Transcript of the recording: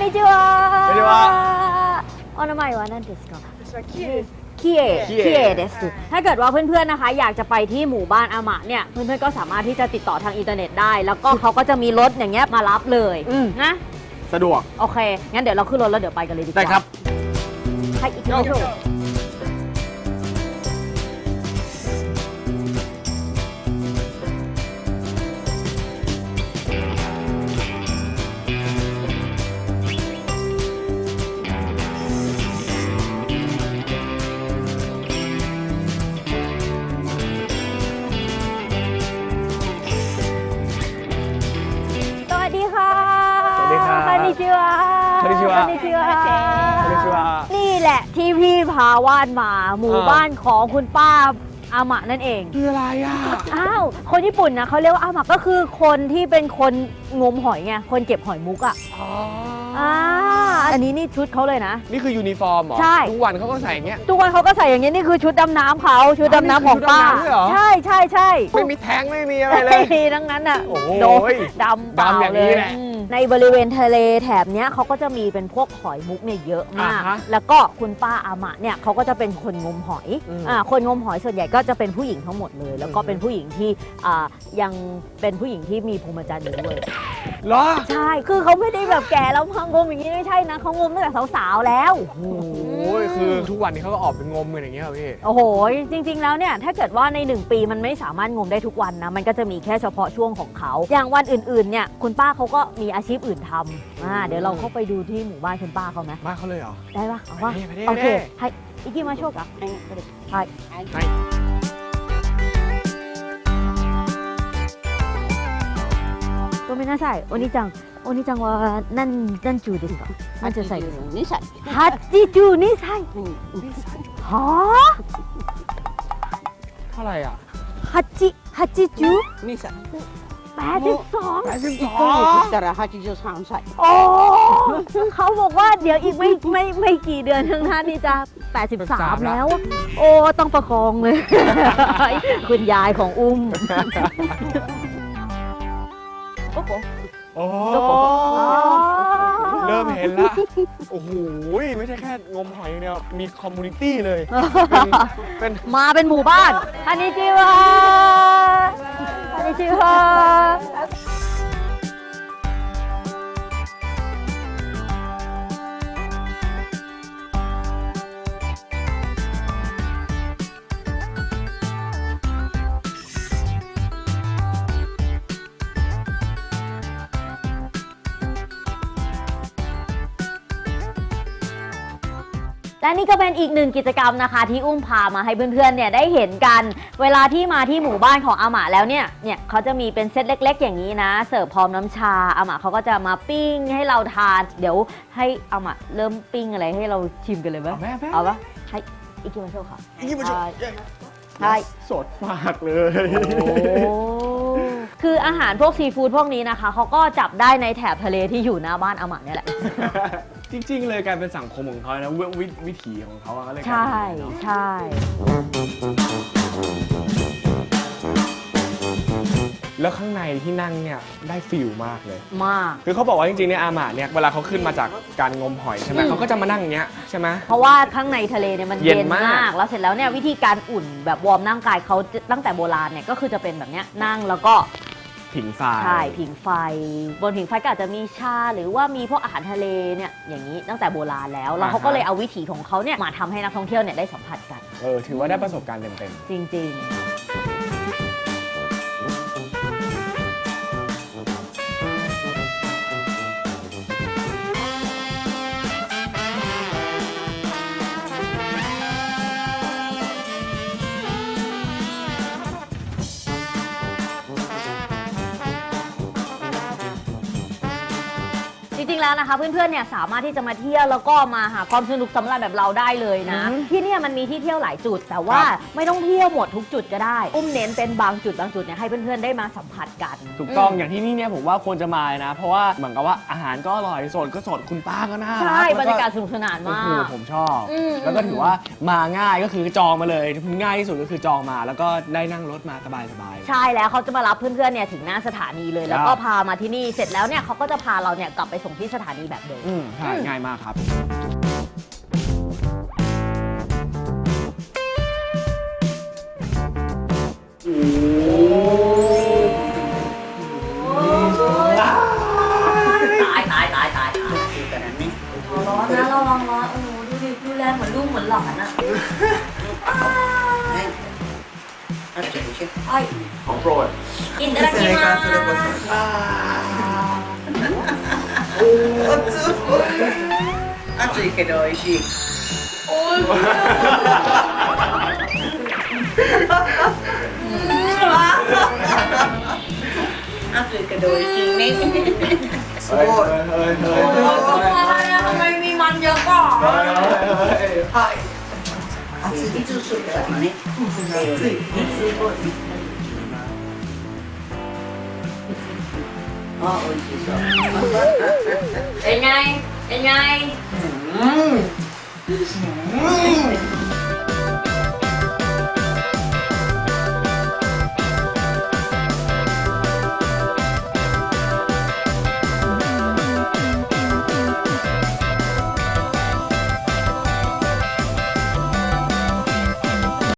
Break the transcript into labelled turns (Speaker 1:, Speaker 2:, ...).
Speaker 1: にちは。
Speaker 2: こんにちは。
Speaker 1: お名前は何ですか？
Speaker 2: キエ
Speaker 1: เดสถ้าเกิดว่าเพื่อนๆนะคะอยากจะไปที่หมู่บ้านอามะเนี่ยเพื่อนๆก็สามารถที่จะติดต่อทางอินเทอร์เน็ตได้ แล้วก็เขาก็จะมีรถอย่างเงี้ยมารับเลยนะ
Speaker 2: สะดวก
Speaker 1: โอเคงั้นเดี๋ยวเราขึ้นรถแล้วเดี๋ยวไปกันเลยดีกว่า
Speaker 2: ได้ครับ
Speaker 1: はい行きましょうสวัสดีค่ะ
Speaker 2: สวัสดีครับ
Speaker 1: こんにちは
Speaker 2: こんにちは
Speaker 1: こんにちは
Speaker 2: こんにちは
Speaker 1: นี่แหละที่พี่พาวาดมาหมู่บ้านของคุณป้าอามะนั่นเอง
Speaker 2: คืออะไรอ่ะ
Speaker 1: อ้าวคนญี่ปุ่นนะเขาเรียกว่าอามะก็คือคนที่เป็นคนงมหอยไงคนเก็บหอยมุกอ่ะ
Speaker 2: อ๋อ
Speaker 1: อันนี้นี่ชุดเขาเลยนะ
Speaker 2: นี่คือยูนิฟอร์มเหรอ
Speaker 1: ใช่
Speaker 2: ทุกวันเขาก็ใส่อย่างเงี้ย
Speaker 1: ทุกวันเขาก็ใส่อย่างนี้นี่คือชุดดำน้ำเขาชุดดำน้ำของป้า
Speaker 2: นี่คือชุดดำน้ำด้วยเหรอ
Speaker 1: ใช่ใช่ใช่
Speaker 2: ไม่มีแท้งไม่มีอะไรเลย
Speaker 1: ไม่มีทั้งนั้นอ่ะ
Speaker 2: โอ้โห
Speaker 1: โดนดำเปล่า
Speaker 2: ดำอย่าง
Speaker 1: เล
Speaker 2: นี้
Speaker 1: ย
Speaker 2: แหละ
Speaker 1: ในบริเวณทะเลแถบเนี้ยเขาก็จะมีเป็นพวกหอยมุกเนี่ยเยอะมาก
Speaker 2: อ่าฮะ
Speaker 1: แล้วก็คุณป้าอามะเนี่ยเขาก็จะเป็นคนงมหอย คนงมหอยส่วนใหญ่ก็จะเป็นผู้หญิงทั้งหมดเลย แล้วก็เป็นผู้หญิงที่ยังเป็นผู้หญิงที่มีพรหมจรรย์อยู่ด้วย
Speaker 2: เหรอ
Speaker 1: ใช่คือเขาไม่ได้แบบแก่แล้วมางมอย่างนี้ไม่ใช่นะเขางมตั้งแต่สาวๆแล้ว
Speaker 2: โอ้โหคือทุกวันนี้เขาก็ออกไปงมกันอย่างเงี้ยเหรอพี่
Speaker 1: โอ้โห จริงๆ แล้วเนี่ยถ้าเกิดว่าใน 1 ปีมันไม่สามารถงมได้ทุกวันนะมันก็จะมีแค่เฉพาะช่วงของเขา อย่างวันอื่นๆ เนี่ยคุณป้าเขาก็มีอาชีพอื่นทำเดี๋ยวเราเข้าไปดูที่หมู่บ้านคุณป้าเขาไหม
Speaker 2: บ้านเขาเลยเหรอ
Speaker 1: ได้ปะเอาว่า
Speaker 2: ไปดิ
Speaker 1: โอเค
Speaker 2: ไปดิ
Speaker 1: ให้行きましょうかはい
Speaker 2: はい
Speaker 1: ごめんなさいお兄ちゃんは何中ですか何十歳ですか
Speaker 3: 82歳。
Speaker 1: 82歳は
Speaker 2: เท่าไหร่อ่ะ
Speaker 1: あ80
Speaker 3: 2歳。
Speaker 1: 82
Speaker 3: 1ヶ月したら83歳。
Speaker 1: โอ้เขาบอกว่าเดี๋ยวอีกไม่กี่เดือนข้างหน้านี่จะ 83 แล้ว โอ้ต้องประคองเลย คุณยายของอุ้ม
Speaker 2: โอ้เริ่มเห็นละ โอ้โห ไม่ใช่แค่งมหอยอย่างเดียว มีคอมมูนิตี้เลย เป็น
Speaker 1: มาเป็นหมู่บ้านอันนี้จิวะอันนี้จิวะและนี่ก็เป็นอีกหนึ่งกิจกรรมนะคะที่อุ้มพามาให้เพื่อนๆเนี่ยได้เห็นกัน เวลาที่มาที่หมู่บ้านของอาหม่าแล้วเนี่ยเขาจะมีเป็นเซตเล็กๆอย่างนี้นะเสิร์ฟพร้อมน้ำชาอาหม่าเขาก็จะมาปิ้งให้เราทานเดี๋ยวให้อาหม่าเริ่มปิ้งอะไรให้เราชิมกันเลยไหม
Speaker 2: แม่
Speaker 1: เอาปะให้อิกิมาโชค่ะ
Speaker 2: อีกมาชม
Speaker 1: ใช่
Speaker 2: สดมากเลย
Speaker 1: โอ้คืออาหารพวกซีฟู้ดพวกนี้นะคะเขาก็จับได้ในแถบทะเลที่อยู่หน้าบ้านอาหม่าเนี่ยแหละ
Speaker 2: จริงๆ เลยกลายเป็นสังคมของเขานะวิถีของเขาอะก็เลยกลาย
Speaker 1: ใช่
Speaker 2: เป็นอย่างนี้เนอะ
Speaker 1: ใช่
Speaker 2: แล้วข้างในที่นั่งเนี่ยได้ฟิลมากเลย
Speaker 1: มาก
Speaker 2: คือเขาบอกว่าจริงๆเนี่ยอาหมาเนี่ยเวลาเขาขึ้นมาจากการงมหอยใช่ไหมเขาก็จะมานั่งอย่างเงี้ยใช่ไหม
Speaker 1: เพราะว่าข้างในทะเลเนี่ยมัน
Speaker 2: เย็
Speaker 1: เย็
Speaker 2: น
Speaker 1: น
Speaker 2: มาก
Speaker 1: มาก แล้วเสร็จแล้วเนี่ยวิธีการอุ่นแบบวอร์มร่างกายเขาตั้งแต่โบราณเนี่ยก็คือจะเป็นแบบเนี้ยนั่งแล้วก็
Speaker 2: ผิงไฟ
Speaker 1: ใช่ผิงไฟ บนผิงไฟก็อาจจะมีชาหรือว่ามีพวกอาหารทะเลเนี่ยอย่างนี้ตั้งแต่โบราณแล้วเขาก็เลยเอาวิถีของเขาเนี่ยมาทำให้นักท่องเที่ยวเนี่ยได้สัมผัสกัน
Speaker 2: ถือว่าได้ประสบการณ์เต็ม
Speaker 1: จริง ๆ จริงๆแล้วนะคะเพื่อนๆเนี่ยสามารถที่จะมาเที่ยวแล้วก็มาหาความสนุกสำราญแบบเราได้เลยนะ ที่เนี่ยมันมีที่เที่ยวหลายจุด แต่ว่าไม่ต้องเที่ยวหมดทุกจุดก็ได้ อุ้มเน้นเป็นบางจุดเนี่ยให้เพื่อนๆได้มาสัมผัสกัน
Speaker 2: ๆ ถูกต้องอย่างที่นี่เนี่ยผมว่าควรจะมาเลยนะ เพราะว่าเหมือนกับว่าอาหารก็อร่อยสดก็สดคุณป้าก็น่ารัก
Speaker 1: ใช่บรรยากาศ
Speaker 2: แล้ว
Speaker 1: สนุกสนาน
Speaker 2: โอ้
Speaker 1: มา
Speaker 2: โห
Speaker 1: ก
Speaker 2: ผมชอบ
Speaker 1: อืม
Speaker 2: แล้วก็ถือว่ามาง่ายก็คือจองมาเลยง่ายที่สุดก็คือจองมาแล้วก็ได้นั่งรถมาสบายๆ
Speaker 1: ใช่แล้วเขาจะมารับเพื่อนๆเนี่ยถึงหน้าสถานีเลย แล้วก็
Speaker 2: ครับ
Speaker 1: พามาที่นี่เสร็จแล้วเนี่ยเขาก็จะพาเราเนี่ยกลับไปส่งที่สถานีแบบเดิม
Speaker 2: ใช่ง่ายมากครับ
Speaker 1: ตายร้อนนะระวังร้อนโอ้โหดูดิดูแลเหมือนลูกเหมือนหลานอะไอ้
Speaker 2: ของโปรด
Speaker 1: อินเตอร์กิมา
Speaker 4: 暑いけど美味しい。暑いけど美味しいね。すごい。
Speaker 1: ทำไมมีมันเยอะกว่า
Speaker 4: 暑いいつするからね。暑い。すごい。あ、美味しそう。
Speaker 1: เป็นไงเป็นไง
Speaker 4: うん。